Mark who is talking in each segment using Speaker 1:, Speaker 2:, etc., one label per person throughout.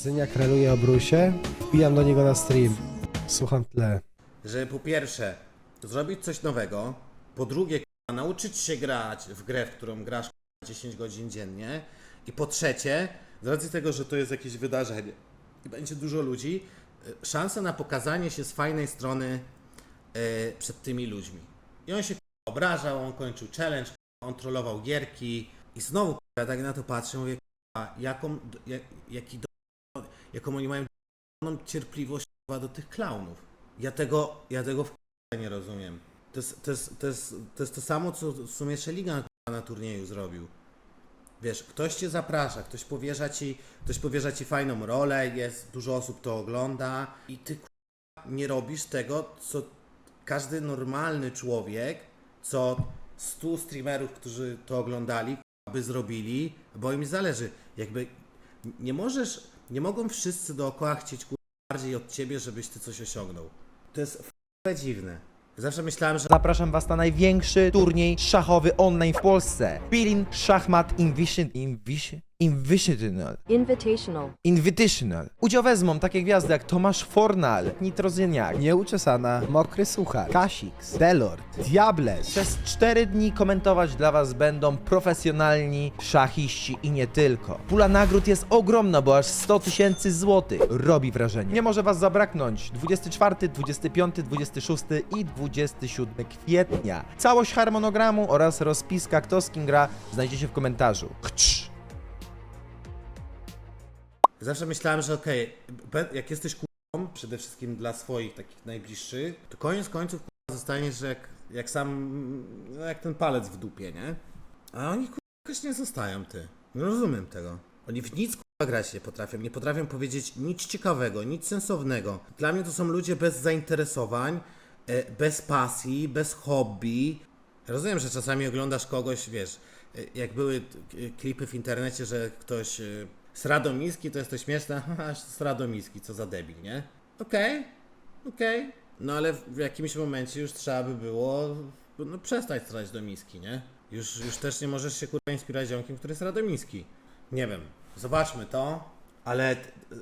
Speaker 1: Zyniak reluje o Brusie, wbijam do niego na stream, słucham tle.
Speaker 2: Żeby po pierwsze zrobić coś nowego, po drugie nauczyć się grać w grę, w którą grasz 10 godzin dziennie i po trzecie, z racji tego, że to jest jakieś wydarzenie i będzie dużo ludzi, szansa na pokazanie się z fajnej strony przed tymi ludźmi. I on się obrażał, on kończył challenge, on trollował gierki i znowu ja tak na to patrzę, mówię, jaką oni mają cierpliwość do tych klaunów. Ja tego w nie rozumiem. To jest to samo, co w sumie Szeligan na turnieju zrobił. Wiesz, ktoś cię zaprasza, ktoś powierza ci fajną rolę, jest dużo osób to ogląda i ty nie robisz tego, co każdy normalny człowiek, co 100 streamerów, którzy to oglądali, by zrobili, bo im zależy. Jakby nie mogą wszyscy dookoła chcieć bardziej od ciebie, żebyś ty coś osiągnął. To jest dziwne. Zawsze myślałem, że
Speaker 3: Zapraszam was na największy turniej szachowy online w Polsce. Pilin Szachmat Invitational. Udział wezmą takie gwiazdy jak Tomasz Fornal, Nitrozyniak,
Speaker 1: Nieuczesana, Mokry Suchar, Kasix, Delord, Diables.
Speaker 3: Przez 4 dni komentować dla was będą profesjonalni szachiści i nie tylko. Pula nagród jest ogromna, bo aż 100 000 złotych. Robi wrażenie. Nie może was zabraknąć 24, 25, 26 i 27 kwietnia. Całość harmonogramu oraz rozpiska, kto z kim gra, znajdziecie w komentarzu.
Speaker 2: Zawsze myślałem, że jak jesteś przede wszystkim dla swoich takich najbliższych, to koniec końców zostaniesz jak jak ten palec w dupie, nie? A oni jakoś nie zostają, ty. Nie rozumiem tego. Oni w nic grać nie potrafią powiedzieć nic ciekawego, nic sensownego. Dla mnie to są ludzie bez zainteresowań, bez pasji, bez hobby. Rozumiem, że czasami oglądasz kogoś, wiesz, jak były klipy w internecie, że ktoś Sradomiski to jest to śmieszne, haha, Sradomiski, co za debil, nie? Okej. No ale w jakimś momencie już trzeba by było przestać strać do miski, nie? Już też nie możesz się inspirować ziomkiem, który jest Radomiski. Nie wiem, zobaczmy to, ale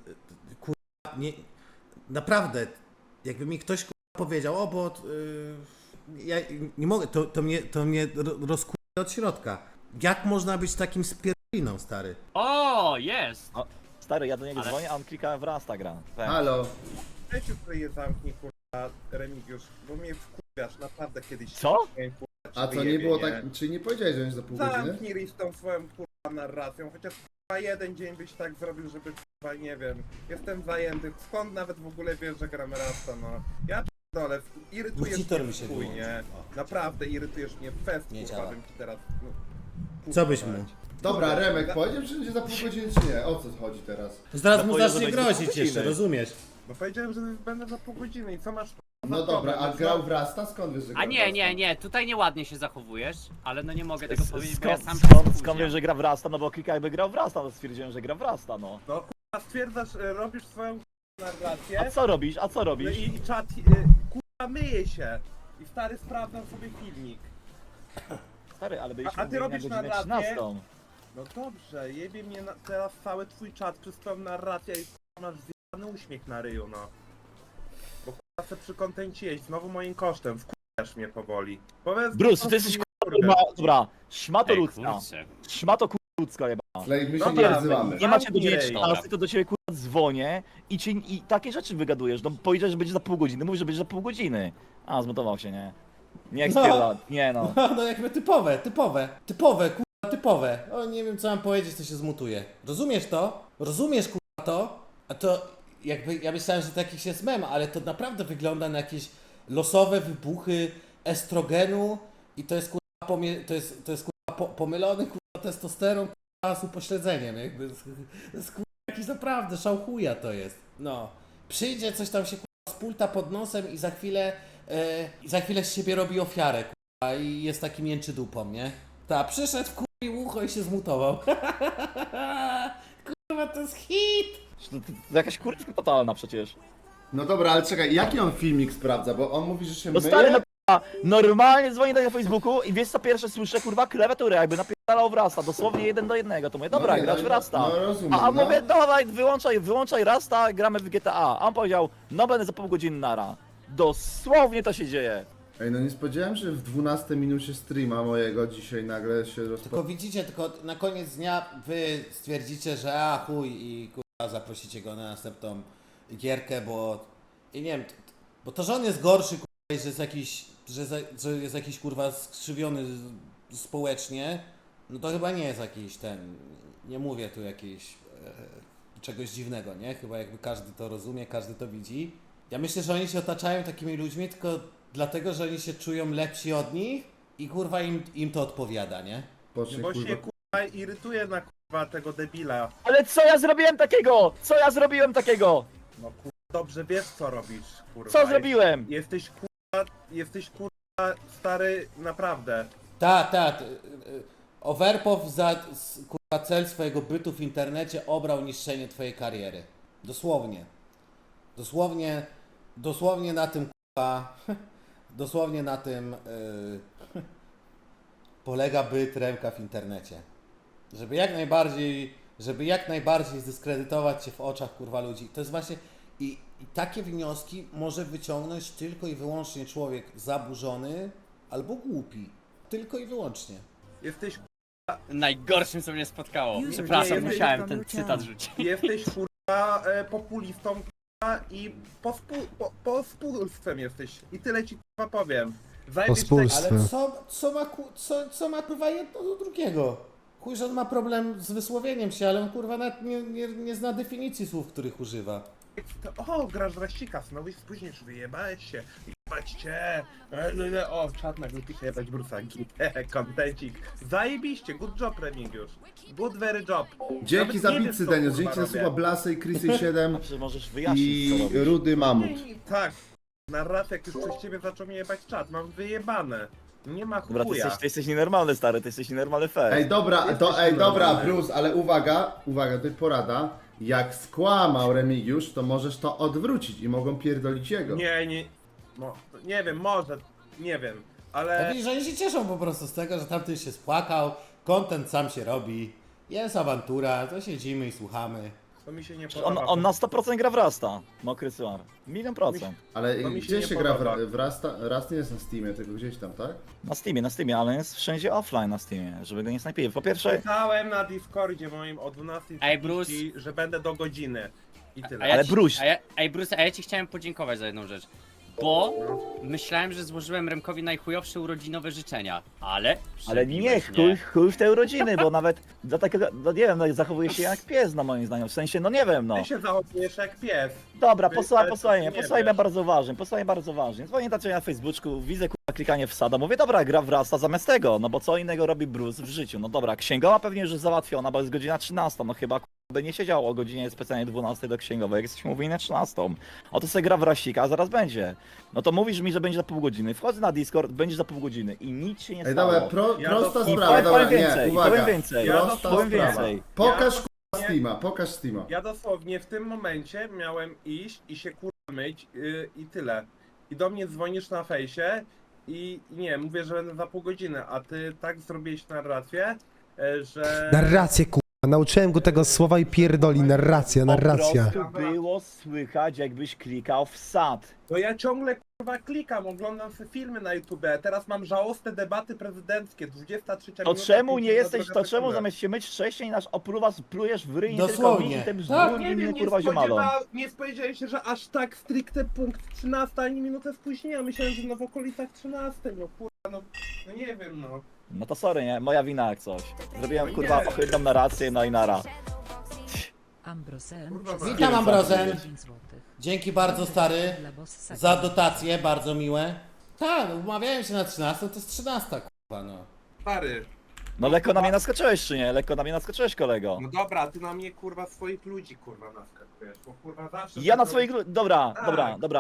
Speaker 2: nie, naprawdę, jakby mi ktoś powiedział, bo ja nie mogę, to mnie rozkurza od środka. Jak można być takim spierdoliną, stary?
Speaker 4: O, jest!
Speaker 5: O, stary, ja do niego
Speaker 4: Ale-
Speaker 5: dzwonię, a on klika w Rasta gra. Tak.
Speaker 6: Halo.
Speaker 7: Weź już sobie zamknij, kurwa, Remigiusz, bo mnie wkurwiasz, naprawdę kiedyś...
Speaker 5: Co?
Speaker 7: Nie, kurwa,
Speaker 6: A co, nie było tak, czyli nie powiedziałeś, że jest za pół godziny?
Speaker 7: Zamknij ryj z tą swoją, kurwa, narracją, chociaż, kurwa, jeden dzień byś tak zrobił, żeby, kurwa, nie wiem, jestem zajęty, skąd nawet w ogóle wiesz, że gramy Rasta, no. Ja pierdolę, irytujesz
Speaker 2: Monitor
Speaker 7: mnie
Speaker 2: mi się
Speaker 7: w chuj, nie?
Speaker 2: wyłączył.
Speaker 7: Naprawdę irytujesz mnie, fest,
Speaker 2: Nie
Speaker 7: kurwa,
Speaker 2: działa.
Speaker 7: bym ci teraz, no,
Speaker 2: Co byś
Speaker 7: kurwa.
Speaker 2: mu?
Speaker 6: Dobra, Remek, powiedział, że będzie za pół godziny, czy nie? O co chodzi teraz?
Speaker 2: Zaraz mu
Speaker 5: powiedział,
Speaker 2: zacznie
Speaker 5: że będzie
Speaker 2: grozić
Speaker 5: pół
Speaker 2: jeszcze,
Speaker 5: godziny.
Speaker 2: rozumiesz?
Speaker 7: No powiedziałem, że będę za pół godziny i co masz...
Speaker 6: No dobra, a grał w Rasta? Skąd wiesz, że
Speaker 4: A
Speaker 6: grał w
Speaker 4: nie,
Speaker 6: Rasta?
Speaker 4: nie, tutaj nieładnie się zachowujesz, ale no nie mogę tego powiedzieć, bo ja sam
Speaker 5: Skąd wiesz, że gra w Rasta? No bo klika jakby grał w Rasta, no stwierdziłem, że gra w Rasta, no.
Speaker 7: No, kurwa, stwierdzasz, robisz swoją narrację...
Speaker 5: A co robisz? A co
Speaker 7: No
Speaker 5: robisz?
Speaker 7: i czat, kurwa, myje się. I stary sprawdzam sobie filmik.
Speaker 5: Stary, ale byliśmy
Speaker 7: A ty robisz
Speaker 5: na godzinę
Speaker 7: narrację?
Speaker 5: 13.
Speaker 7: No dobrze, jebie mnie teraz cały twój czat przez twoją narrację i kurwa, masz zjebany uśmiech na ryju, no. Bo kurwa se przy kontencie jeść, znowu moim kosztem, wkurzasz mnie powoli. Powiedz
Speaker 5: Bruce, ty jesteś kurwa, dobra, szmato
Speaker 4: Ej,
Speaker 5: ludzka.
Speaker 4: kurczę.
Speaker 5: Szmato ludzka jeba.
Speaker 6: Slay, my się
Speaker 7: Dobra,
Speaker 6: nie odzywamy.
Speaker 5: Nie macie do
Speaker 7: Ej,
Speaker 5: 19, to do ciebie kurwa dzwonię i takie rzeczy wygadujesz. No powiedziałeś, że będzie za pół godziny, mówisz, że będzie za pół godziny. A, zmutował się, nie? Nie ekspierda, nie no.
Speaker 2: No jakby typowe. O, nie wiem co mam powiedzieć, to się zmutuje. Rozumiesz to? Rozumiesz to? A to jakby, ja myślałem, że to jakiś jest mem, ale to naprawdę wygląda na jakieś losowe wybuchy estrogenu i to jest pomylony testosteron z upośledzeniem, jakby to jest jakiś naprawdę szałchuja to jest. No. Przyjdzie coś tam się z pulta pod nosem i za chwilę z siebie robi ofiarę i jest taki mięczy dupą, nie? Ta, przyszedł, wkurwił ucho i się zmutował. Kurwa, to jest hit!
Speaker 5: To jakaś kurwa totalna przecież.
Speaker 6: No dobra, ale czekaj, jaki on filmik sprawdza? Bo on mówi, że się
Speaker 5: No
Speaker 6: myje?
Speaker 5: stary, no normalnie dzwoni na Facebooku i wiesz co pierwsze słyszę, kurwa, klawiaturę, jakby napierdalał w Rasta, dosłownie 1:1, to mówię, dobra,
Speaker 6: nie,
Speaker 5: grać w
Speaker 6: no,
Speaker 5: Rasta.
Speaker 6: no, rozumiem,
Speaker 5: A
Speaker 6: no.
Speaker 5: mówię, dawaj, wyłączaj Rasta, gramy w GTA. A on powiedział, no będę za pół godziny nara. Dosłownie to się dzieje.
Speaker 6: Ej, no nie spodziewałem się, że w 12 minucie streama mojego dzisiaj nagle się
Speaker 2: Tylko
Speaker 6: rozpoczął.
Speaker 2: widzicie, tylko na koniec dnia wy stwierdzicie, że a chuj i kurwa zaprosicie go na następną gierkę, bo i nie wiem, bo to, że on jest gorszy kurwa, i że jest jakiś, że jest jakiś kurwa skrzywiony społecznie, no to chyba nie jest jakiś ten, nie mówię tu jakiś czegoś dziwnego, nie? Chyba jakby każdy to rozumie, każdy to widzi. Ja myślę, że oni się otaczają takimi ludźmi tylko dlatego, że oni się czują lepsi od nich i kurwa im to odpowiada, nie?
Speaker 6: Pocznie,
Speaker 7: Bo
Speaker 6: kurwa.
Speaker 7: się kurwa irytuje na kurwa tego debila.
Speaker 5: Ale co ja zrobiłem takiego? Co ja zrobiłem takiego?
Speaker 7: No kurwa, dobrze wiesz co robisz, kurwa.
Speaker 5: Co zrobiłem?
Speaker 7: Jesteś kurwa stary naprawdę.
Speaker 2: Tak. Overpow za kurwa cel swojego bytu w internecie obrał niszczenie twojej kariery. Dosłownie. Dosłownie na tym kurwa, dosłownie na tym polega byt Remka w internecie. Żeby jak najbardziej zdyskredytować cię w oczach kurwa ludzi. To jest właśnie i takie wnioski może wyciągnąć tylko i wyłącznie człowiek zaburzony albo głupi. Tylko i wyłącznie.
Speaker 7: Jesteś
Speaker 4: Najgorszym, co mnie spotkało.
Speaker 8: User
Speaker 4: Przepraszam,
Speaker 7: disconnected
Speaker 4: musiałem
Speaker 8: from
Speaker 4: ten
Speaker 8: your
Speaker 4: cytat
Speaker 8: channel.
Speaker 4: rzucić.
Speaker 7: Jesteś kurwa populistą kurwa i pospólstwem jesteś. I tyle ci kurwa powiem. Zajebisz
Speaker 1: Pospólstwo.
Speaker 2: Ale co ma kurwa jedno do drugiego? Chuj, że on ma problem z wysłowieniem się, ale on kurwa nawet nie zna definicji słów, których używa.
Speaker 7: O, grasz w Rasika, znowu spóźnisz, wyjebałeś się. Jebać cię. O, czat na grupie się jebać Brusa. Kontencik. Zajebiście, good job Remigiusz. Good very job.
Speaker 6: Dzięki
Speaker 7: Nawet
Speaker 6: za
Speaker 7: nie
Speaker 6: bitsy,
Speaker 7: wiesz, co,
Speaker 6: Denius.
Speaker 7: kurwa,
Speaker 6: Dzięki za
Speaker 7: robię.
Speaker 6: słowa Blasy, Chrisy 7
Speaker 5: Czy możesz wyjaśnić, co
Speaker 6: i
Speaker 5: robisz?
Speaker 6: Rudy Mamut.
Speaker 7: Tak, narracja, jak już przez ciebie zaczął mnie jebać czat, mam wyjebane. Nie ma
Speaker 5: Dobra,
Speaker 7: chuja.
Speaker 5: ty jesteś nienormalny, stary, ty jesteś nienormalny fair.
Speaker 6: Ej, dobra, Bruce, ale uwaga, to jest porada. Jak skłamał Remigiusz, to możesz to odwrócić i mogą pierdolić jego.
Speaker 7: Nie, no, nie wiem, może, nie wiem,
Speaker 2: Ja
Speaker 7: ale...
Speaker 2: widzisz, że oni się cieszą po prostu z tego, że tamten się spłakał, content sam się robi, jest awantura, to siedzimy i słuchamy.
Speaker 7: To mi się nie
Speaker 5: On,
Speaker 7: podoba.
Speaker 5: on na 100% gra w Rasta, mokry suar. 1.000%.
Speaker 6: Ale
Speaker 7: To mi się
Speaker 6: gdzie
Speaker 7: nie
Speaker 6: się gra
Speaker 7: podoba.
Speaker 6: w Rasta? Rast nie jest na Steamie, tylko gdzieś tam, tak?
Speaker 5: Na Steamie, ale jest wszędzie offline na Steamie, żeby go nie snajpili. Po pierwsze,
Speaker 7: Pisałem na Discordzie moim o 12:30,
Speaker 4: Ej, Bruce.
Speaker 7: że będę do godziny. I tyle.
Speaker 5: Ale Bruce.
Speaker 4: Bruce, a ja ci chciałem podziękować za jedną rzecz. Bo myślałem, że złożyłem Remkowi najchujowsze urodzinowe życzenia, ale...
Speaker 5: ale nie,
Speaker 4: przebiłeś
Speaker 5: chuj w te urodziny, bo nawet za takiego, no nie wiem, no, zachowuje się jak pies, no moim zdaniem, w sensie, no nie wiem, no.
Speaker 7: Ty się zachowujesz jak pies.
Speaker 5: Dobra,
Speaker 7: Wy-
Speaker 5: posłuchaj
Speaker 7: ale
Speaker 5: mnie
Speaker 7: ty nie
Speaker 5: posłuchaj mnie bardzo uważnie. Dzwonię tacy na Facebooku, widzę kurwa klikanie w sada, mówię, dobra, gra w Rasta zamiast tego, no bo co innego robi Bruce w życiu, no dobra, księgowa pewnie już jest załatwiona, bo jest godzina 13, no chyba kurwa by nie siedział o godzinie specjalnie 12 do księgowej, jak jesteśmy mówili na 13. Oto sobie gra w Rasika, a zaraz będzie. No to mówisz mi, że będzie za pół godziny, wchodzę na Discord, będzie za pół godziny i nic się nie
Speaker 6: Ej,
Speaker 5: stało.
Speaker 6: dobra,
Speaker 7: Ja
Speaker 6: prosta
Speaker 7: to-
Speaker 6: sprawa,
Speaker 5: powiem
Speaker 6: dobra,
Speaker 5: więcej,
Speaker 6: nie, uwaga.
Speaker 5: powiem więcej,
Speaker 6: Prosta
Speaker 5: powiem
Speaker 6: sprawa.
Speaker 5: więcej.
Speaker 6: Pokaż
Speaker 7: Ja-
Speaker 6: kurwa Steama, pokaż Steama.
Speaker 7: Ja dosłownie w tym momencie miałem iść i się kurwa myć i tyle. I do mnie dzwonisz na fejsie i nie, mówię, że będę za pół godziny, a ty tak zrobiłeś narrację, że...
Speaker 1: Narrację, kurwa. Nauczyłem go tego słowa i pierdoli. Narracja.
Speaker 5: Po prostu było słychać, jakbyś klikał w sad.
Speaker 7: No ja ciągle kurwa klikam, oglądam sobie filmy na YouTube, teraz mam żałosne debaty prezydenckie, 23
Speaker 5: To
Speaker 7: minuta,
Speaker 5: czemu nie
Speaker 7: 50
Speaker 5: jesteś,
Speaker 7: druga
Speaker 5: to czemu
Speaker 7: sekunda.
Speaker 5: zamiast się myć wcześniej nasz opluwa plujesz w ryj nie tylko
Speaker 2: Dosłownie.
Speaker 5: mi i tym
Speaker 2: Tak.
Speaker 5: bzdur
Speaker 7: Nie
Speaker 5: innym
Speaker 7: wiem,
Speaker 5: kurwa ziomalom.
Speaker 7: nie spodziewałem się, że aż tak stricte punkt 13, ani minutę spóźnienia. Myślałem, że no w okolicach 13, no kurwa, no nie wiem, no.
Speaker 5: No to sorry, nie? Moja wina jak coś. Zrobiłem
Speaker 7: No
Speaker 5: kurwa
Speaker 7: nie.
Speaker 5: ohydną narrację, no i nara.
Speaker 8: Ambrosen.
Speaker 7: Kurwa,
Speaker 8: przez
Speaker 2: Witam, Ambrosen.
Speaker 8: 10 złotych.
Speaker 2: Dzięki bardzo, stary,
Speaker 8: Dla bossa
Speaker 2: za dotacje, bardzo miłe. Tak, umawiałem się na 13, to jest 13, kurwa, no.
Speaker 7: Stary,
Speaker 5: No lekko na mnie naskoczyłeś czy nie? Lekko na mnie naskoczyłeś, kolego.
Speaker 7: no dobra, ty na mnie kurwa swoich ludzi kurwa naskakujesz, bo kurwa zawsze...
Speaker 5: Ja na
Speaker 7: tak
Speaker 5: swoich... Dobra,
Speaker 7: Tak.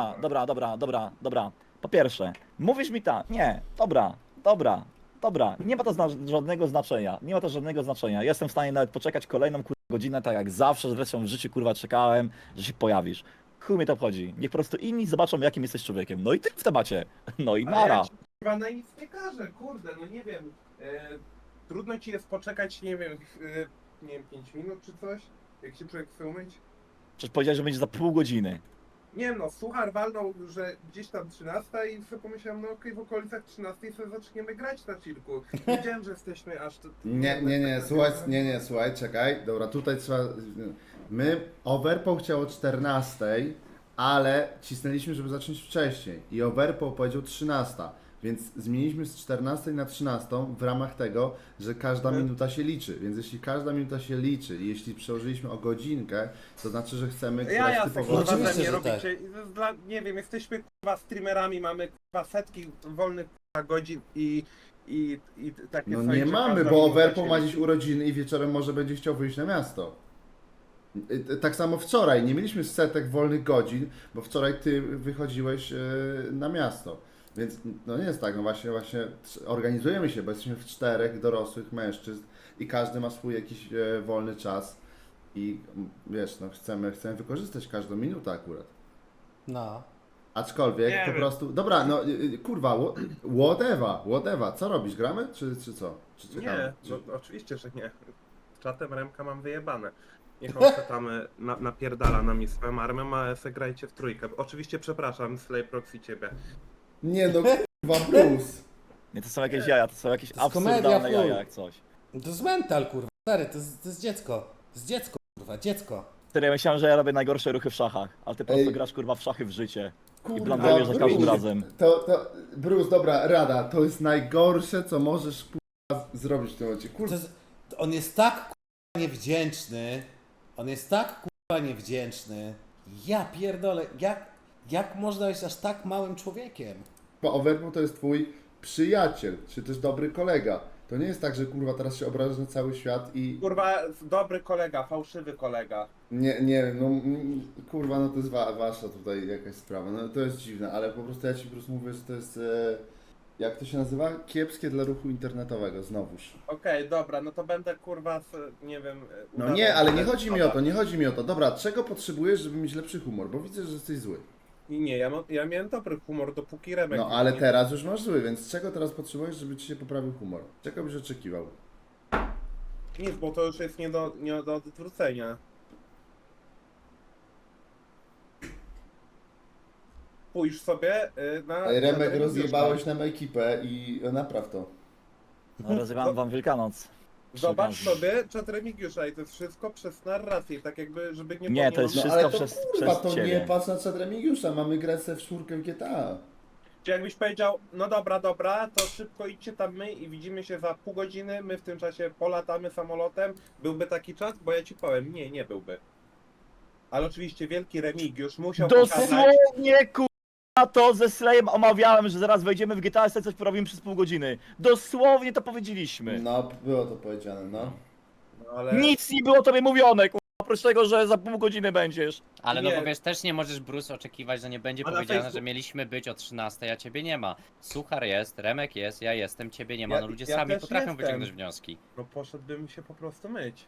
Speaker 5: dobra. Po pierwsze, mówisz mi tak, nie, dobra. Nie ma to żadnego znaczenia, Jestem w stanie nawet poczekać kolejną kurwa godzinę, tak jak zawsze, zresztą w życiu kurwa czekałem, że się pojawisz. Chuj mnie to obchodzi. Niech po prostu inni zobaczą, jakim jesteś człowiekiem. No i ty w temacie. No i
Speaker 7: Ale
Speaker 5: nara.
Speaker 7: ja ci kurwa na nic nie każe, kurde, no nie wiem. Trudno ci jest poczekać, nie wiem, 5 minut czy coś? Jak się człowiek chce umyć?
Speaker 5: Przecież powiedziałeś, że będzie za pół godziny.
Speaker 7: Nie wiem, no suchar walnął, że gdzieś tam 13 i sobie pomyślałem, no okej, w okolicach 13 sobie zaczniemy grać na chillku. Wiedziałem, że jesteśmy aż...
Speaker 6: Nie, słuchaj, czekaj. Dobra, tutaj trzeba... Overpool chciał o 14, ale cisnęliśmy, żeby zacząć wcześniej. I Overpool powiedział 13. Więc zmieniliśmy z 14 na 13 w ramach tego, że każda minuta się liczy. Więc jeśli każda minuta się liczy i jeśli przełożyliśmy o godzinkę, to znaczy, że chcemy grać
Speaker 7: Ja
Speaker 6: typowo...
Speaker 7: kurwa,
Speaker 1: Oczywiście,
Speaker 7: ze mnie
Speaker 1: że
Speaker 7: robicie. Nie wiem, jesteśmy kurwa streamerami, mamy kurwa setki wolnych kurwa godzin i takie
Speaker 6: No
Speaker 7: coś,
Speaker 6: nie
Speaker 7: że
Speaker 6: mamy,
Speaker 7: każda
Speaker 6: bo
Speaker 7: minuta
Speaker 6: Overpool
Speaker 7: się
Speaker 6: ma
Speaker 7: liczy.
Speaker 6: dziś urodziny i wieczorem może będzie chciał wyjść na miasto. Tak samo wczoraj, nie mieliśmy setek wolnych godzin, bo wczoraj ty wychodziłeś na miasto. Więc no nie jest tak, no właśnie organizujemy się, bo jesteśmy w 4 dorosłych mężczyzn i każdy ma swój jakiś wolny czas i wiesz, no chcemy wykorzystać każdą minutę akurat.
Speaker 1: No.
Speaker 6: Aczkolwiek
Speaker 7: Nie
Speaker 6: po
Speaker 7: wiem.
Speaker 6: prostu, dobra, no kurwa, whatever, co robisz, gramy czy co? Czy czekamy?
Speaker 7: Nie,
Speaker 6: Czy...
Speaker 7: no, oczywiście, że nie. Z czatem Remka mam wyjebane. Niech on se tam napierdala na mnie swoją armią, a se grajcie w trójkę. Oczywiście przepraszam, Slay Proxy ciebie.
Speaker 6: Nie no kurwa, Bruce.
Speaker 5: Nie, to są jakieś jaja, to są jakieś
Speaker 1: To jest komedia,
Speaker 5: absurdalne
Speaker 1: chuj.
Speaker 5: jaja jak coś.
Speaker 1: To jest mental, kurwa. Stary, to jest dziecko. To jest dziecko, kurwa, dziecko.
Speaker 5: Wtedy ja myślałem, że ja robię najgorsze ruchy w szachach, ale ty po prostu
Speaker 6: Ej.
Speaker 5: grasz kurwa w szachy w życie. I
Speaker 6: Kurwa,
Speaker 5: blandujesz za każdym
Speaker 6: Bruce.
Speaker 5: razem.
Speaker 6: To, Bruce, dobra, rada, to jest najgorsze, co możesz kurwa zrobić w tym momencie.
Speaker 1: To
Speaker 6: Kurwa,
Speaker 1: jest, on jest tak kurwa niewdzięczny. On jest tak kurwa niewdzięczny. Ja pierdolę, jak można być aż tak małym człowiekiem?
Speaker 6: Overpool to jest twój przyjaciel, czy też dobry kolega. To nie jest tak, że kurwa teraz się obrażasz na cały świat i
Speaker 7: Kurwa, dobry kolega, fałszywy kolega.
Speaker 6: nie wiem, no kurwa, no to jest wasza tutaj jakaś sprawa, no to jest dziwne, ale po prostu ja ci po prostu mówię, że to jest, jak to się nazywa? Kiepskie dla ruchu internetowego, znowuż.
Speaker 7: Okej, dobra, no to będę kurwa, nie wiem...
Speaker 6: No
Speaker 7: udawał,
Speaker 6: nie, ale
Speaker 7: że
Speaker 6: nie
Speaker 7: jest
Speaker 6: chodzi mi
Speaker 7: szkoda.
Speaker 6: o to, nie chodzi mi o to. Dobra, czego potrzebujesz, żeby mieć lepszy humor? Bo widzę, że jesteś zły.
Speaker 7: Nie, ja miałem dobry humor, dopóki Remek...
Speaker 6: No ale
Speaker 7: nie-
Speaker 6: teraz już masz zły, więc czego teraz potrzebujesz, żeby ci się poprawił humor? Czego byś oczekiwał?
Speaker 7: Nic, bo to już jest nie do odwrócenia. Pójrz sobie na...
Speaker 6: Remek,
Speaker 7: na
Speaker 6: rozjebałeś nam ekipę i napraw to.
Speaker 5: No rozrywam wam Wielkanoc.
Speaker 7: Zobacz
Speaker 5: Przy okazji.
Speaker 7: sobie czat Remigiusza i to jest wszystko przez narrację, tak jakby, żeby nie...
Speaker 5: Nie, to jest
Speaker 6: No
Speaker 5: wszystko
Speaker 6: ale to
Speaker 5: przez
Speaker 6: kurwa, to
Speaker 5: ciebie.
Speaker 6: nie patrz na czat Remigiusza, mamy grę w czwórkę w GTA.
Speaker 7: Czy jakbyś powiedział, no dobra, to szybko idźcie tam my i widzimy się za pół godziny, my w tym czasie polatamy samolotem, byłby taki czas? Bo ja ci powiem, nie byłby. Ale oczywiście wielki Remigiusz musiał pokazać...
Speaker 5: Dosłownie kurwa to ze Slayem omawiałem, że zaraz wejdziemy w GTA i sobie coś porobimy przez pół godziny. Dosłownie to powiedzieliśmy.
Speaker 6: No, było to powiedziane, no.
Speaker 7: No, ale...
Speaker 5: Nic nie było tobie mówione, kurwa, oprócz tego, że za pół godziny będziesz.
Speaker 4: Ale no
Speaker 7: Nie.
Speaker 4: bo wiesz, też nie możesz, Bruce, oczekiwać, że nie będzie
Speaker 7: A na
Speaker 4: powiedziane,
Speaker 7: Facebooku-
Speaker 4: że mieliśmy być o 13, a ciebie nie ma. Suchar jest, Remek jest, ja jestem, ciebie nie ma.
Speaker 7: Ja-
Speaker 4: No ludzie
Speaker 7: ja
Speaker 4: sami
Speaker 7: też
Speaker 4: potrafią
Speaker 7: jestem.
Speaker 4: wyciągnąć wnioski.
Speaker 7: No poszedłbym się po prostu myć.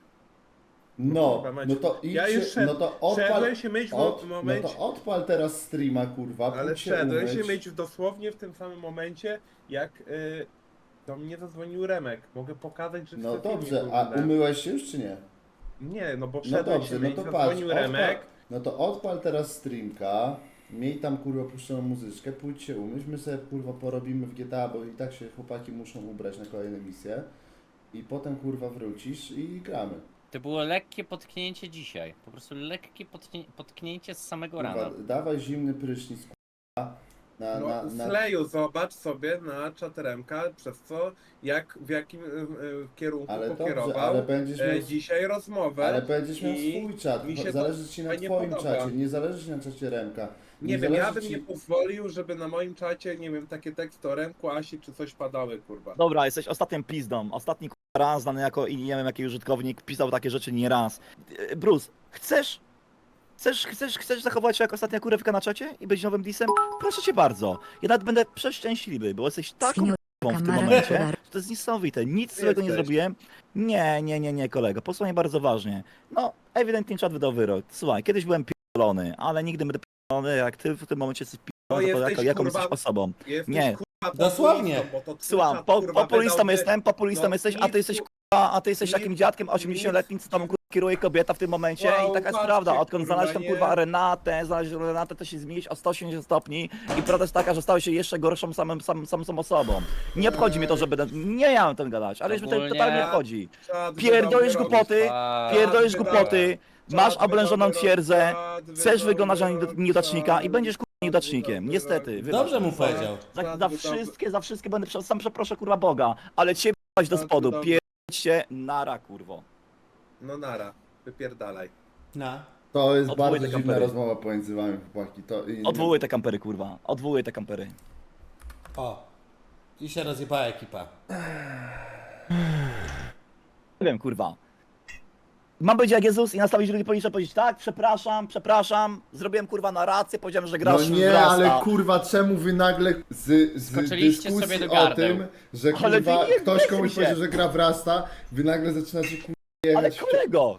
Speaker 6: No,
Speaker 7: Kurwa,
Speaker 6: no
Speaker 7: Maciek.
Speaker 6: to
Speaker 7: Ja
Speaker 6: idźcie,
Speaker 7: już szedł-
Speaker 6: no to odpal,
Speaker 7: szedłem się myć w
Speaker 6: no
Speaker 7: momencie...
Speaker 6: to odpal teraz streama, kurwa,
Speaker 7: Ale
Speaker 6: pójdź się
Speaker 7: szedłem się
Speaker 6: umyć.
Speaker 7: myć dosłownie w tym samym momencie, jak do mnie zadzwonił Remek. Mogę pokazać, że
Speaker 6: No
Speaker 7: w filmie
Speaker 6: dobrze, a
Speaker 7: oglądałem.
Speaker 6: umyłeś się już czy nie?
Speaker 7: Nie, no bo
Speaker 6: No
Speaker 7: szedłem
Speaker 6: dobrze,
Speaker 7: się
Speaker 6: no
Speaker 7: myć,
Speaker 6: to patrz,
Speaker 7: zadzwonił Remek.
Speaker 6: no to odpal teraz streamka, miej tam kurwa puszczoną muzyczkę, pójdź się umyć, my sobie kurwa porobimy w GTA, bo i tak się chłopaki muszą ubrać na kolejne misje i potem kurwa wrócisz i gramy.
Speaker 4: To było lekkie potknięcie dzisiaj. Po prostu lekkie potknięcie z samego
Speaker 6: Kurwa,
Speaker 4: rana.
Speaker 6: dawaj zimny prysznic kurwa
Speaker 7: No, Sleju, zobacz sobie na czat Remka, przez co, w jakim kierunku
Speaker 6: ale dobrze,
Speaker 7: pokierował
Speaker 6: ale będziesz miał,
Speaker 7: dzisiaj rozmowę.
Speaker 6: ale będziesz miał
Speaker 7: i
Speaker 6: swój czat,
Speaker 7: mi się to
Speaker 6: zależy ci na
Speaker 7: fajnie
Speaker 6: twoim
Speaker 7: podoba.
Speaker 6: czacie, nie zależy ci na czacie Remka.
Speaker 7: Nie wiem,
Speaker 6: zależy
Speaker 7: ja bym
Speaker 6: ci-
Speaker 7: nie pozwolił, żeby na moim czacie, nie wiem, takie teksty o Remku, Asi czy coś padały, kurwa.
Speaker 5: Dobra, jesteś ostatnim pizdą. Ostatni kurwa raz znany jako i nie wiem jaki użytkownik pisał takie rzeczy nie raz. Bruce, chcesz zachować się jak ostatnia kurewka na czacie i być nowym disem? Proszę cię bardzo. Ja nawet będę przeszczęśliwy, bo jesteś taką kurwą w tym momencie, że to jest niesamowite. Nic złego nie
Speaker 7: Jesteś.
Speaker 5: zrobiłem. Nie, kolego. Posłuchaj bardzo ważnie. No, ewidentnie czat wydał wyrok. Słuchaj, kiedyś byłem pierdolony, ale nigdy będę pierdolony, jak ty w tym momencie jesteś pierdolony, to
Speaker 7: jesteś,
Speaker 5: jaką
Speaker 7: kurwa,
Speaker 5: jesteś osobą.
Speaker 7: Jesteś
Speaker 5: Nie,
Speaker 7: kurwa
Speaker 1: Dosłownie.
Speaker 7: Bo to twój
Speaker 5: Słucham,
Speaker 7: czat, kurwa,
Speaker 5: populistą
Speaker 7: wydałby-
Speaker 5: jestem, populistą
Speaker 7: no,
Speaker 5: jesteś, a
Speaker 7: nic,
Speaker 5: ty jesteś
Speaker 7: kur-
Speaker 5: kurwa, a ty jesteś
Speaker 7: nic-
Speaker 5: takim dziadkiem 80-letnim, co tam kurwa kieruje kobieta w tym momencie
Speaker 7: Wow,
Speaker 5: i taka jest
Speaker 7: patrzcie,
Speaker 5: prawda. Odkąd
Speaker 7: kurwa,
Speaker 5: znaleźć tam
Speaker 7: nie?
Speaker 5: kurwa znaleźć Renatę, to się zmienić o 180 stopni i prawda jest taka, że stałeś się jeszcze gorszą samą osobą. Nie obchodzi mnie to, że będę, nie miałem ten gadać, ale już mnie to
Speaker 4: Ogólnie-
Speaker 5: totalnie nie obchodzi.
Speaker 7: Czad
Speaker 5: Pierdolisz
Speaker 7: wydał
Speaker 5: głupoty,
Speaker 7: wyrok.
Speaker 5: pierdolisz
Speaker 7: Czad
Speaker 5: głupoty,
Speaker 7: wydał-
Speaker 5: masz
Speaker 7: czad
Speaker 5: oblężoną
Speaker 7: wydał
Speaker 5: twierdzę,
Speaker 7: wyrok,
Speaker 5: chcesz
Speaker 7: czad
Speaker 5: wyglądać na
Speaker 7: wydał
Speaker 5: nieudacznika i
Speaker 7: wyrok,
Speaker 5: będziesz kurwa
Speaker 7: czad
Speaker 5: nieudacznikiem,
Speaker 7: wydał
Speaker 5: niestety.
Speaker 7: wyrok.
Speaker 5: wybacz.
Speaker 1: Dobrze mu powiedział.
Speaker 5: Za wszystkie będę, sam przeproszę kurwa Boga, ale ciebie do
Speaker 7: Czad
Speaker 5: spodu,
Speaker 7: wydał-
Speaker 5: pierdźcie nara kurwo.
Speaker 7: No nara, wypierdalaj.
Speaker 1: No.
Speaker 6: To jest
Speaker 5: Odwołuję
Speaker 6: bardzo
Speaker 5: te
Speaker 6: dziwna
Speaker 5: kampery.
Speaker 6: rozmowa pomiędzy wami, chłopaki.
Speaker 5: Odwołuję te kampery kurwa, odwołuję te kampery.
Speaker 1: O. I się rozjebała ekipa.
Speaker 5: Nie wiem kurwa. Mam być jak Jezus i nastawić ludzi policzę, powiedzieć tak, przepraszam, zrobiłem kurwa narrację, powiedziałem, że
Speaker 6: No
Speaker 5: grasz w
Speaker 6: nie,
Speaker 5: Rasta.
Speaker 6: ale kurwa, czemu wy nagle z
Speaker 4: Skoczyliście
Speaker 6: dyskusji
Speaker 4: sobie do
Speaker 6: o
Speaker 4: gardeł.
Speaker 6: tym, że
Speaker 5: Ale wy
Speaker 6: kurwa
Speaker 5: nie
Speaker 6: ktoś
Speaker 5: weźmy
Speaker 6: komuś
Speaker 5: się.
Speaker 6: powiedział, że gra w Rasta, wy nagle zaczynacie kurwa
Speaker 5: Ale
Speaker 6: jechać
Speaker 5: kolego,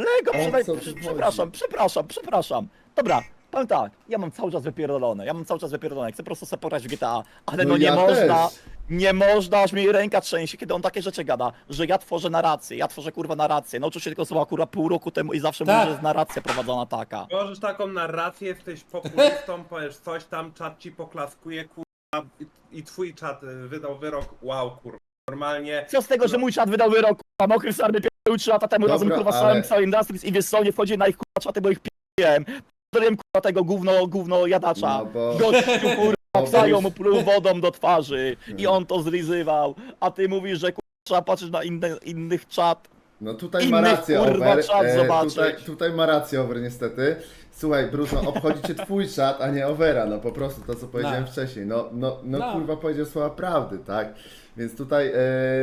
Speaker 6: O co tu
Speaker 5: przepraszam. Dobra, powiem tak, ja mam cały czas wypierdolone, chcę po prostu sobie pograć w GTA, ale no nie
Speaker 6: ja
Speaker 5: można,
Speaker 6: też.
Speaker 5: nie można, aż mi ręka trzęsie, kiedy on takie rzeczy gada, że ja tworzę narrację, kurwa narrację, nauczył się tego słowa kurwa pół roku temu i zawsze
Speaker 1: Tak.
Speaker 5: mówi, że jest narracja prowadzona taka.
Speaker 7: Możesz taką narrację, jesteś populistą, powiesz coś tam, czat ci poklaskuje, kurwa, i twój czat wydał wyrok, wow, kurwa, normalnie.
Speaker 5: Co z tego, że mój czat wydał wyrok, kurwa, mokry sarny pierdolił 3 lata temu
Speaker 6: Dobra,
Speaker 5: razem kurwa z
Speaker 6: ale-
Speaker 5: całym Industries i wiesz co, nie wchodzi na ich kurwa czaty, bo ich pierdoliłem. Pierdoliłem kurwa tego gówno jadacza.
Speaker 6: No bo-
Speaker 5: Gościu kurwa
Speaker 6: bo
Speaker 5: psają
Speaker 6: już-
Speaker 5: mu pluł wodą do twarzy i on to zlizywał, a ty mówisz, że kurwa trzeba patrzeć na innych czat.
Speaker 6: No tutaj
Speaker 5: Innych,
Speaker 6: ma rację
Speaker 5: kurwa,
Speaker 6: Over,
Speaker 5: czat zobaczyć.
Speaker 6: tutaj ma rację Over niestety. Słuchaj Bruce, no obchodzi cię twój czat, a nie Overa, no po prostu to co powiedziałem
Speaker 1: No.
Speaker 6: wcześniej, no
Speaker 1: No.
Speaker 6: kurwa powiedział słowa prawdy, tak? Więc tutaj,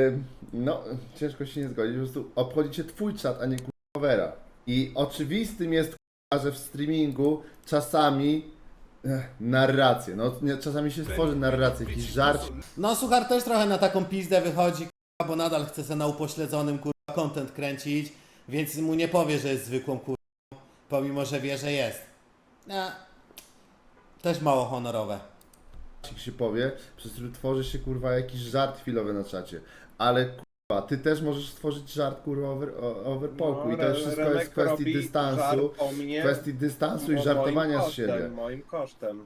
Speaker 6: no ciężko się nie zgodzić, po prostu obchodzi cię twój czat, a nie kurwa Overa. I oczywistym jest kurwa, że w streamingu czasami narrację, no czasami się stworzy narrację, jakiś żart.
Speaker 1: No Suchar też trochę na taką pizdę wychodzi, kurwa, bo nadal chce se na upośledzonym kurwa content kręcić, więc mu nie powie, że jest zwykłą kurwą, pomimo że wie, że jest. No. Też mało honorowe.
Speaker 6: się powie, przez który tworzy się kurwa jakiś żart chwilowy na czacie. Ale kurwa, ty też możesz stworzyć żart kurwa over poku i to już wszystko jest w kwestii dystansu, kwestii dystansu i żartowania z siebie.
Speaker 7: Moim kosztem.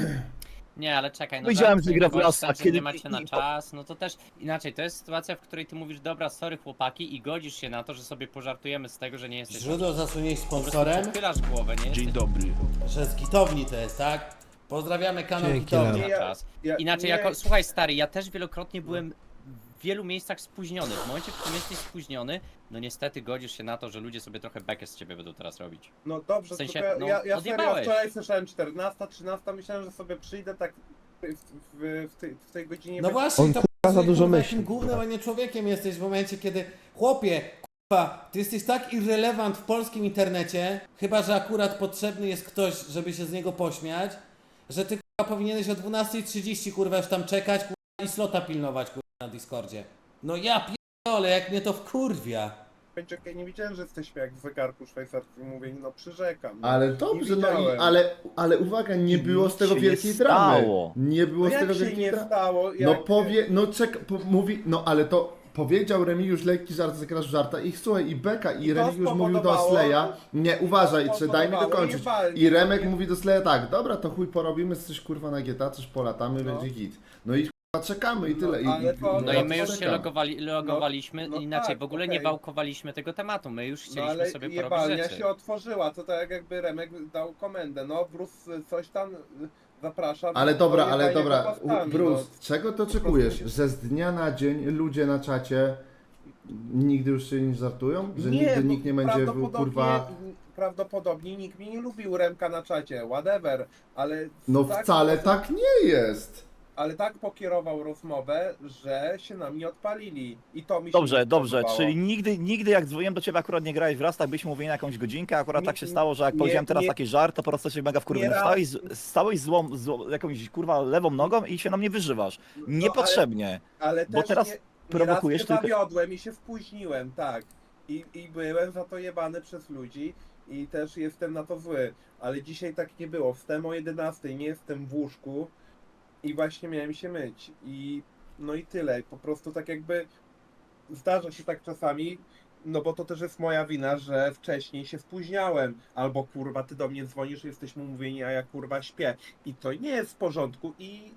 Speaker 4: Nie, ale czekaj, no
Speaker 5: Wiedziałem,
Speaker 4: tak,
Speaker 5: że gra w
Speaker 4: gość
Speaker 5: Rasta,
Speaker 4: tam, że
Speaker 5: kiedy
Speaker 4: nie macie na czas, no to też inaczej, to jest sytuacja, w której ty mówisz, dobra, sorry chłopaki i godzisz się na to, że sobie pożartujemy z tego, że nie jesteś...
Speaker 1: Źródło zasunięć
Speaker 4: Po prostu
Speaker 1: sponsorem,
Speaker 4: przechylasz głowę, nie jesteś
Speaker 1: że z Gitowni to jest, tak? Pozdrawiamy kanał
Speaker 3: Dzięki,
Speaker 1: Gitowni.
Speaker 4: na
Speaker 7: Ja-
Speaker 4: czas.
Speaker 7: ja-
Speaker 4: Inaczej,
Speaker 7: nie-
Speaker 4: jako, słuchaj stary, ja też wielokrotnie byłem w wielu miejscach spóźniony. W momencie, w którym jesteś spóźniony, no niestety godzisz się na to, że ludzie sobie trochę bekę z ciebie będą teraz robić.
Speaker 7: No dobrze,
Speaker 4: W sensie,
Speaker 7: tylko
Speaker 4: no,
Speaker 7: ja serio
Speaker 4: odjebałeś.
Speaker 7: wczoraj słyszałem 14, 13, myślałem, że sobie przyjdę tak w tej godzinie.
Speaker 1: No
Speaker 7: będzie-
Speaker 1: właśnie,
Speaker 3: On,
Speaker 1: to
Speaker 3: kurwa, za dużo
Speaker 1: kurwa,
Speaker 3: myśli,
Speaker 1: jakim gównem, a nie człowiekiem jesteś w momencie, kiedy chłopie, kurwa, ty jesteś tak irrelevant w polskim internecie, chyba że akurat potrzebny jest ktoś, żeby się z niego pośmiać, że ty kurwa powinieneś o 12:30 kurwa już tam czekać, kurwa, i slota pilnować kurwa na Discordzie. No ja pierdolę, jak mnie to wkurwia.
Speaker 7: Czekaj, nie widziałem, że jesteśmy jak w zegarku szwajcarskim, mówię, no przyrzekam. No.
Speaker 6: Ale
Speaker 7: Nie
Speaker 6: dobrze, no i,
Speaker 7: widziałem.
Speaker 6: ale uwaga, nie było z tego
Speaker 5: się
Speaker 6: wielkiej
Speaker 5: nie
Speaker 6: dramy.
Speaker 5: stało.
Speaker 6: Nie było
Speaker 7: No
Speaker 6: z
Speaker 7: jak
Speaker 6: tego
Speaker 7: się
Speaker 6: wielkiej
Speaker 7: nie
Speaker 6: dramy.
Speaker 7: stało?
Speaker 6: No
Speaker 7: Jak...
Speaker 6: powie, no mówi, no ale to powiedział Remigiusz lekki żart, zagrasz w żarta i słuchaj, i Beka i
Speaker 7: I to
Speaker 6: Remigiusz mówił do
Speaker 7: spowodowało-
Speaker 6: Sleja, nie, uważaj, czy daj mi
Speaker 7: spowodowało
Speaker 6: dokończyć.
Speaker 7: walki,
Speaker 6: I Remek
Speaker 7: nie?
Speaker 6: mówi do Sleja tak, dobra, to chuj porobimy coś kurwa na GTA, coś polatamy,
Speaker 7: No.
Speaker 6: będzie git. No i kurwa czekamy i
Speaker 7: No,
Speaker 6: tyle.
Speaker 7: ale to-
Speaker 4: No
Speaker 6: ja
Speaker 4: i my już się
Speaker 6: czekam.
Speaker 4: logowaliśmy,
Speaker 7: no
Speaker 4: inaczej,
Speaker 7: tak,
Speaker 4: w ogóle
Speaker 7: okej.
Speaker 4: nie wałkowaliśmy tego tematu, my już
Speaker 7: No
Speaker 4: chcieliśmy
Speaker 7: ale
Speaker 4: sobie porobić
Speaker 7: jebalnia
Speaker 4: rzeczy.
Speaker 7: się otworzyła, to tak jakby Remek dał komendę, no Bruce coś tam zapraszam.
Speaker 6: Ale dobra,
Speaker 7: to
Speaker 6: ale
Speaker 7: jebanie
Speaker 6: dobra,
Speaker 7: go postami,
Speaker 6: Bruce,
Speaker 7: no.
Speaker 6: czego to oczekujesz? Że z dnia na dzień ludzie na czacie nigdy już się nie żartują? Że nigdy
Speaker 7: bo
Speaker 6: nikt nie będzie kurwa...
Speaker 7: Prawdopodobnie nikt mnie nie lubił Remka na czacie, whatever, ale...
Speaker 6: No wcale tak nie jest.
Speaker 7: Ale tak pokierował rozmowę, że się na mnie odpalili i to mi się nie
Speaker 5: Dobrze,
Speaker 7: spodobało.
Speaker 5: czyli nigdy jak dzwoniłem do ciebie akurat nie grałeś w Rastach, byliśmy mówili na jakąś godzinkę, akurat
Speaker 7: Nie-
Speaker 5: tak się stało, że jak
Speaker 7: nie-
Speaker 5: powiedziałem teraz
Speaker 7: nie-
Speaker 5: taki żart, to po prostu się mega wkurwiłem.
Speaker 7: nie raz-
Speaker 5: Stałeś jakąś kurwa lewą nogą i się na mnie wyżywasz. Niepotrzebnie.
Speaker 7: Ale
Speaker 5: bo
Speaker 7: też
Speaker 5: teraz
Speaker 7: nie
Speaker 5: prowokujesz
Speaker 7: raz się
Speaker 5: tylko-
Speaker 7: zawiodłem i się spóźniłem, tak. I byłem za to jebany przez ludzi i też jestem na to zły. Ale dzisiaj tak nie było. Wstałem o 11, nie jestem w łóżku I właśnie miałem się myć. I no i tyle. Po prostu tak jakby zdarza się tak czasami, no bo to też jest moja wina, że wcześniej się spóźniałem. Albo kurwa, ty do mnie dzwonisz, jesteśmy umówieni, a ja kurwa śpię. I to nie jest w porządku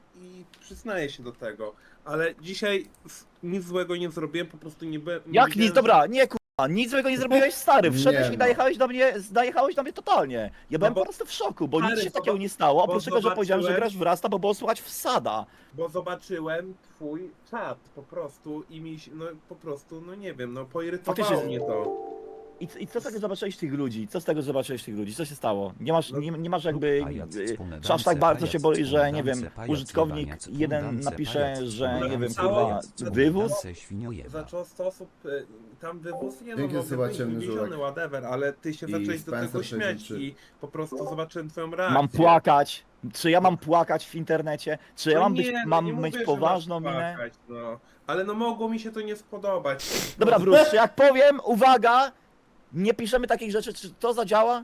Speaker 7: i przyznaję się do tego. Ale dzisiaj nic złego nie zrobiłem, po prostu nie byłem... nie
Speaker 5: Jak
Speaker 7: wiedziałem,
Speaker 5: nic, dobra, nie kurwa, nic złego nie zrobiłeś, stary, wszedłeś
Speaker 6: Nie
Speaker 5: i
Speaker 6: no.
Speaker 5: najechałeś do mnie totalnie. Ja byłem
Speaker 7: bo-
Speaker 5: po prostu w szoku, bo nic
Speaker 7: Stary,
Speaker 5: się takiego nie stało, oprócz
Speaker 7: bo
Speaker 5: tego, że powiedziałem, że
Speaker 7: zobaczyłem-
Speaker 5: grasz w Rasta, bo było słuchać wsada.
Speaker 7: Bo zobaczyłem twój czat po prostu i mi się, no po prostu, no nie wiem, no poirytowało
Speaker 5: Faktycznie-
Speaker 7: mnie to.
Speaker 5: I co z tego zobaczyłeś tych ludzi? Co z tego zobaczyłeś tych ludzi? Co się stało? Nie masz jakby... Czy aż tak bardzo się boi, że nie wiem, użytkownik jeden napisze, że nie wiem, kurwa, wywóz?
Speaker 7: Zaczął 100 osób, tam wywóz, nie no,
Speaker 6: Dzięki,
Speaker 7: no
Speaker 6: Seba,
Speaker 7: wywóz,
Speaker 6: ciemny
Speaker 7: wywieziony,
Speaker 6: żółek.
Speaker 7: whatever, ale ty się
Speaker 6: I
Speaker 7: zacząłeś do tego
Speaker 6: Spencer
Speaker 7: śmiać
Speaker 6: 63.
Speaker 7: i po prostu zobaczyłem twoją reakcję.
Speaker 5: Mam płakać? Czy ja mam płakać w internecie? Czy ja
Speaker 7: No
Speaker 5: mam
Speaker 7: nie,
Speaker 5: być,
Speaker 7: no
Speaker 5: mam
Speaker 7: nie
Speaker 5: mieć
Speaker 7: mówię, że
Speaker 5: poważną
Speaker 7: masz
Speaker 5: minę?
Speaker 7: płakać, no. Ale no mogło mi się to nie spodobać.
Speaker 5: Dobra, Bruce, czy jak powiem, uwaga, nie piszemy takich rzeczy, czy to zadziała?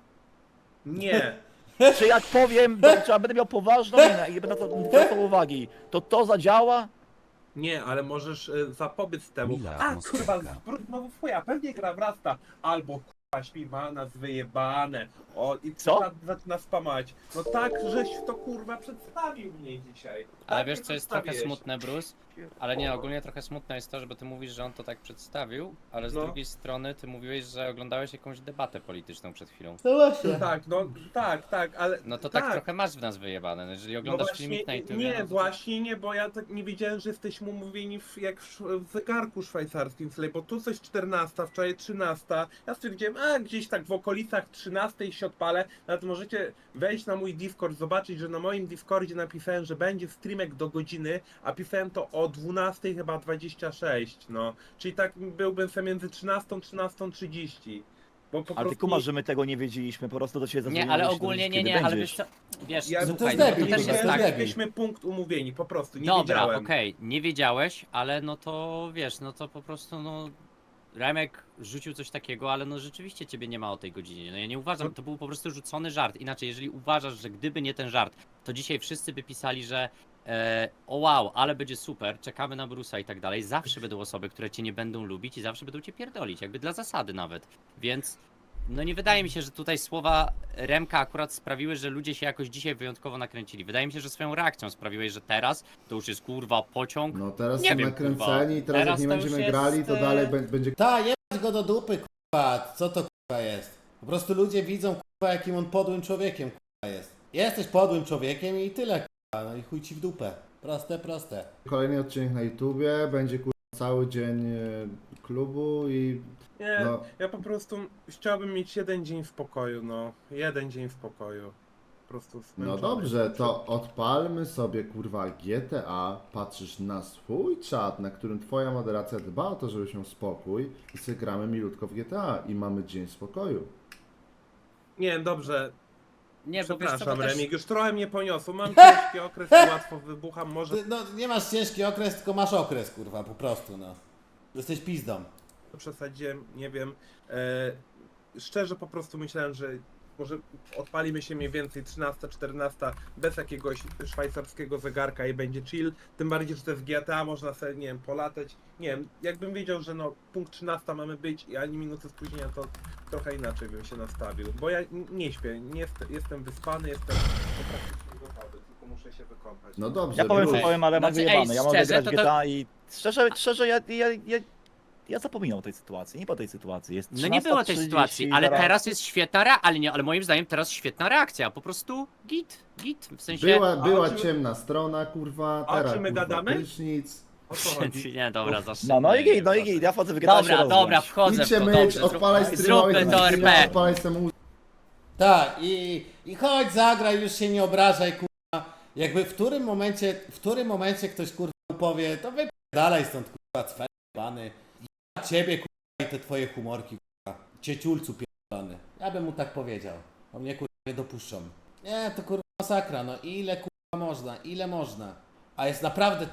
Speaker 7: Nie.
Speaker 5: Czy jak powiem, czy ja będę miał poważną minę i nie będę na to zwracał uwagi, to zadziała?
Speaker 7: Nie, ale możesz zapobiec temu.
Speaker 8: Mila
Speaker 7: A
Speaker 8: atmosferka.
Speaker 7: kurwa, znowu twoja, pewnie gra wrasta. Albo kurwa śpiwa nas wyjebane. O, i
Speaker 5: Co?
Speaker 7: zaczyna spamać. No tak, żeś to kurwa przedstawił mnie dzisiaj.
Speaker 4: Ale
Speaker 7: Tak
Speaker 4: wiesz
Speaker 7: mnie
Speaker 4: co jest trochę
Speaker 7: przedstawiłeś.
Speaker 4: smutne, Bruce? Ale nie, ogólnie trochę smutne jest to, że ty mówisz, że on to tak przedstawił, ale z
Speaker 7: No.
Speaker 4: drugiej strony ty mówiłeś, że oglądałeś jakąś debatę polityczną przed chwilą.
Speaker 1: No właśnie.
Speaker 7: Tak, no tak, ale...
Speaker 4: No to tak trochę masz w nas wyjebane, no jeżeli
Speaker 7: No
Speaker 4: oglądasz
Speaker 7: właśnie,
Speaker 4: filmik na YouTube.
Speaker 7: nie,
Speaker 4: no to-
Speaker 7: właśnie nie, bo ja tak nie wiedziałem, że jesteśmy umówieni w zegarku szwajcarskim, sobie, bo tu coś 14, wczoraj 13. Ja stwierdziłem, a gdzieś tak w okolicach 13 się odpalę. Nawet możecie wejść na mój Discord, zobaczyć, że na moim Discordzie napisałem, że będzie streamek do godziny, a pisałem to o 12 chyba 26, no. Czyli tak byłbym sobie między 13 a 13:30. Bo po
Speaker 5: Ale ty
Speaker 7: prostu
Speaker 5: kumasz, że my tego nie wiedzieliśmy, po prostu do ciebie
Speaker 4: Nie,
Speaker 5: zadzwoniłem,
Speaker 4: ale
Speaker 5: żeby się
Speaker 4: ogólnie
Speaker 5: dowiedzieć,
Speaker 4: nie,
Speaker 5: kiedy
Speaker 4: ale
Speaker 5: będziesz.
Speaker 4: wiesz co, wiesz,
Speaker 7: Ja-
Speaker 1: No to
Speaker 4: słuchaj,
Speaker 1: jest
Speaker 4: no,
Speaker 1: debil,
Speaker 4: to też
Speaker 1: kurwa,
Speaker 4: jest
Speaker 1: to
Speaker 4: tak,
Speaker 1: jest debil.
Speaker 7: mieliśmy punkt umówieni, po prostu, nie
Speaker 4: dobra,
Speaker 7: wiedziałem.
Speaker 4: okej, nie wiedziałeś, ale no to wiesz, no to po prostu no Remek rzucił coś takiego, ale no rzeczywiście ciebie nie ma o tej godzinie. No ja nie uważam, to był po prostu rzucony żart. Inaczej, jeżeli uważasz, że gdyby nie ten żart, to dzisiaj wszyscy by pisali, że o wow, ale będzie super, czekamy na Bruce'a i tak dalej. Zawsze będą osoby, które cię nie będą lubić i zawsze będą cię pierdolić, jakby dla zasady nawet. Więc no nie wydaje mi się, że tutaj słowa Remka akurat sprawiły, że ludzie się jakoś dzisiaj wyjątkowo nakręcili. Wydaje mi się, że swoją reakcją sprawiłeś, że teraz to już jest kurwa pociąg.
Speaker 6: No teraz
Speaker 4: Nie
Speaker 6: są
Speaker 4: wiem,
Speaker 6: nakręceni,
Speaker 4: kurwa.
Speaker 6: teraz jak
Speaker 4: Teraz
Speaker 6: nie
Speaker 4: to
Speaker 6: będziemy
Speaker 4: już
Speaker 6: grali,
Speaker 4: jest,
Speaker 6: to dalej będzie...
Speaker 1: Ta, jebać go do dupy, kurwa. Co to kurwa jest? Po prostu ludzie widzą, kurwa, jakim on podłym człowiekiem, kurwa, jest. Jesteś podłym człowiekiem i tyle, kurwa. No i chuj ci w dupę. Proste, proste.
Speaker 6: Kolejny odcinek na YouTubie, będzie kurwa cały dzień klubu i
Speaker 7: Nie,
Speaker 6: no,
Speaker 7: ja po prostu chciałbym mieć jeden dzień w pokoju, no. Jeden dzień w pokoju. Po prostu
Speaker 6: no
Speaker 7: zmęczony
Speaker 6: dobrze,
Speaker 7: jestem.
Speaker 6: to odpalmy sobie kurwa GTA, patrzysz na swój czat, na którym twoja moderacja dba o to, żeby się spokój i sobie gramy milutko w GTA i mamy dzień spokoju.
Speaker 7: Nie, dobrze.
Speaker 4: Nie, bo wiesz co,
Speaker 7: Przepraszam,
Speaker 4: bo też...
Speaker 7: Remig, już trochę mnie poniosło. Mam ciężki okres, łatwo wybucham, może
Speaker 1: Ty, no nie masz ciężki okres, tylko masz okres, kurwa, po prostu, no. Jesteś pizdą.
Speaker 7: przesadziłem, nie wiem. Szczerze po prostu myślałem, że może odpalimy się mniej więcej 13, 14 bez jakiegoś szwajcarskiego zegarka i będzie chill. Tym bardziej, że to jest GTA, można sobie, nie wiem, polatać. Nie wiem, jakbym wiedział, że no punkt 13 mamy być i ani minuty spóźnienia, to trochę inaczej bym się nastawił. Bo ja nie śpię, nie jestem wyspany, jestem praktycznie gotowy, tylko muszę się wykąpać.
Speaker 6: No dobrze,
Speaker 5: Ja powiem co
Speaker 6: Bruce.
Speaker 5: powiem, ale mam
Speaker 4: Znaczy,
Speaker 5: wyjebane,
Speaker 4: ej,
Speaker 5: ja mogę
Speaker 4: szczerze,
Speaker 5: grać
Speaker 4: to
Speaker 5: w GTA i szczerze ja zapominam o tej sytuacji, nie po tej sytuacji. Jest
Speaker 4: No nie było tej
Speaker 5: 13:30
Speaker 4: sytuacji, ale
Speaker 5: zaraz-
Speaker 4: teraz jest świetna ale moim zdaniem teraz świetna reakcja, po prostu git, w sensie...
Speaker 6: Była
Speaker 7: o czym-
Speaker 6: ciemna strona, kurwa,
Speaker 7: A o
Speaker 6: teraz
Speaker 7: czym my
Speaker 6: kurwa
Speaker 7: gadamy?
Speaker 6: prysznic.
Speaker 7: O co chodzi?
Speaker 4: Nie, dobra, zawsze.
Speaker 5: No i git, ja wchodzę w GTA się
Speaker 4: Dobra, dobra,
Speaker 5: rozgrać.
Speaker 4: wchodzę w
Speaker 6: Idźcie
Speaker 4: to,
Speaker 6: myć,
Speaker 4: dobrze,
Speaker 6: odpalaj streamowy,
Speaker 4: zróbmy to RP.
Speaker 6: odpalaj sobie
Speaker 1: Tak, i chodź, zagraj, już się nie obrażaj, kurwa. Jakby w którym momencie ktoś, kurwa, powie, to wypierdalaj stąd, kurwa, cwer, bany. Ja ciebie, kurwa, i te twoje humorki, kurwa. Cieciulcu pierdolony. Ja bym mu tak powiedział. O mnie, kurwa, nie dopuszczą. Nie, to, kurwa, masakra, no ile, kurwa, ile można. A jest naprawdę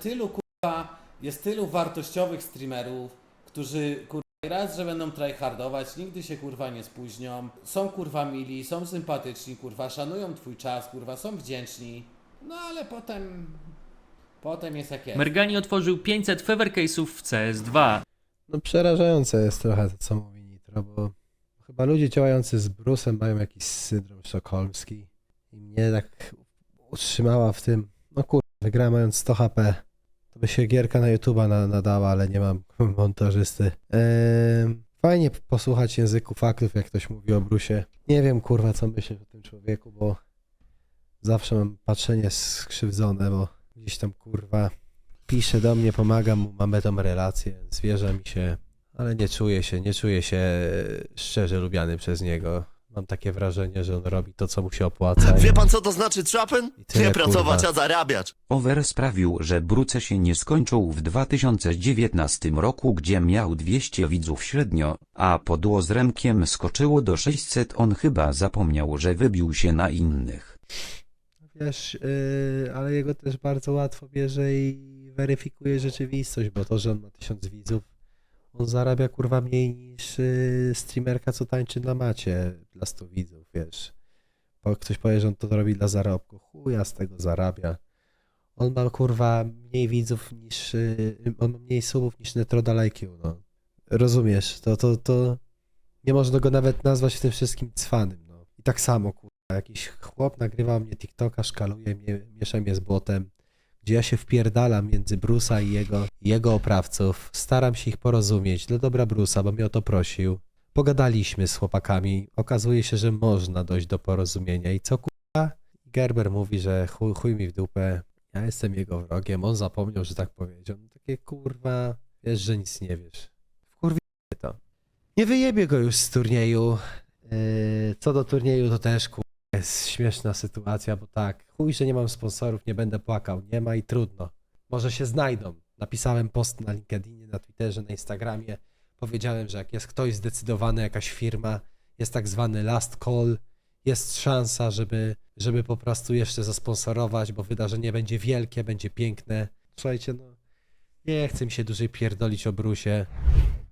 Speaker 1: tylu wartościowych streamerów, którzy, kurwa, raz, że będą tryhardować, nigdy się kurwa nie spóźnią, są kurwa mili, są sympatyczni, kurwa, szanują twój czas, kurwa, są wdzięczni, no ale potem Potem jest jak jest.
Speaker 8: Mergani otworzył 500 favor case'ów w CS2.
Speaker 9: No przerażające jest trochę to, co mówi Nitro, bo chyba ludzie działający z Bruce'em mają jakiś syndrom sztokholmski i mnie tak utrzymała w tym, no kurwa, wygrałem mając 100 HP, to by się gierka na YouTube'a nadała, ale nie mam montażysty. Fajnie posłuchać języku faktów, jak ktoś mówi o Bruce'ie. Nie wiem kurwa, co myśleć o tym człowieku, bo zawsze mam patrzenie skrzywdzone, bo gdzieś tam kurwa pisze do mnie, pomagam mu, mamy tą relację, zwierza mi się, ale nie czuję się szczerze lubiany przez niego. Mam takie wrażenie, że on robi to, co mu się opłaca.
Speaker 10: Wie pan, co to znaczy trapen?
Speaker 9: I tyle,
Speaker 10: Nie pracować,
Speaker 9: kurwa.
Speaker 10: a zarabiać.
Speaker 11: Over sprawił, że Bruce się nie skończył w 2019 roku, gdzie miał 200 widzów średnio, a podło z Remkiem skoczyło do 600. On chyba zapomniał, że wybił się na innych.
Speaker 9: Wiesz, ale jego też bardzo łatwo bierze i weryfikuje rzeczywistość, bo to, że on ma 1000 widzów, on zarabia kurwa mniej niż streamerka, co tańczy na macie dla 100 widzów, wiesz. Bo ktoś powie, że on to robi dla zarobku, chuja z tego zarabia. On ma kurwa mniej widzów niż, on ma mniej subów niż Netroda IQ, no. Rozumiesz, to nie można go nawet nazwać w tym wszystkim cwanym, no. I tak samo kurwa, jakiś chłop nagrywa mnie TikToka, szkaluje mnie, miesza mnie z błotem, gdzie ja się wpierdalam między Bruce'a i jego oprawców, staram się ich porozumieć dla dobra Bruce'a, bo mnie o to prosił. Pogadaliśmy z chłopakami, okazuje się, że można dojść do porozumienia i co kurwa? Gerber mówi, że chuj mi w dupę, ja jestem jego wrogiem, on zapomniał, że tak powiedział. No takie kurwa, wiesz, że nic nie wiesz. Wkurwi to. Nie wyjebie go już z turnieju. Co do turnieju to też kurwa jest śmieszna sytuacja, bo tak, chuj, że nie mam sponsorów, nie będę płakał, nie ma i trudno. Może się znajdą. Napisałem post na LinkedInie, na Twitterze, na Instagramie. Powiedziałem, że jak jest ktoś zdecydowany, jakaś firma, jest tak zwany last call, jest szansa, żeby po prostu jeszcze zasponsorować, bo wydarzenie będzie wielkie, będzie piękne. Słuchajcie, no nie chcę mi się dłużej pierdolić o Bruce'ie.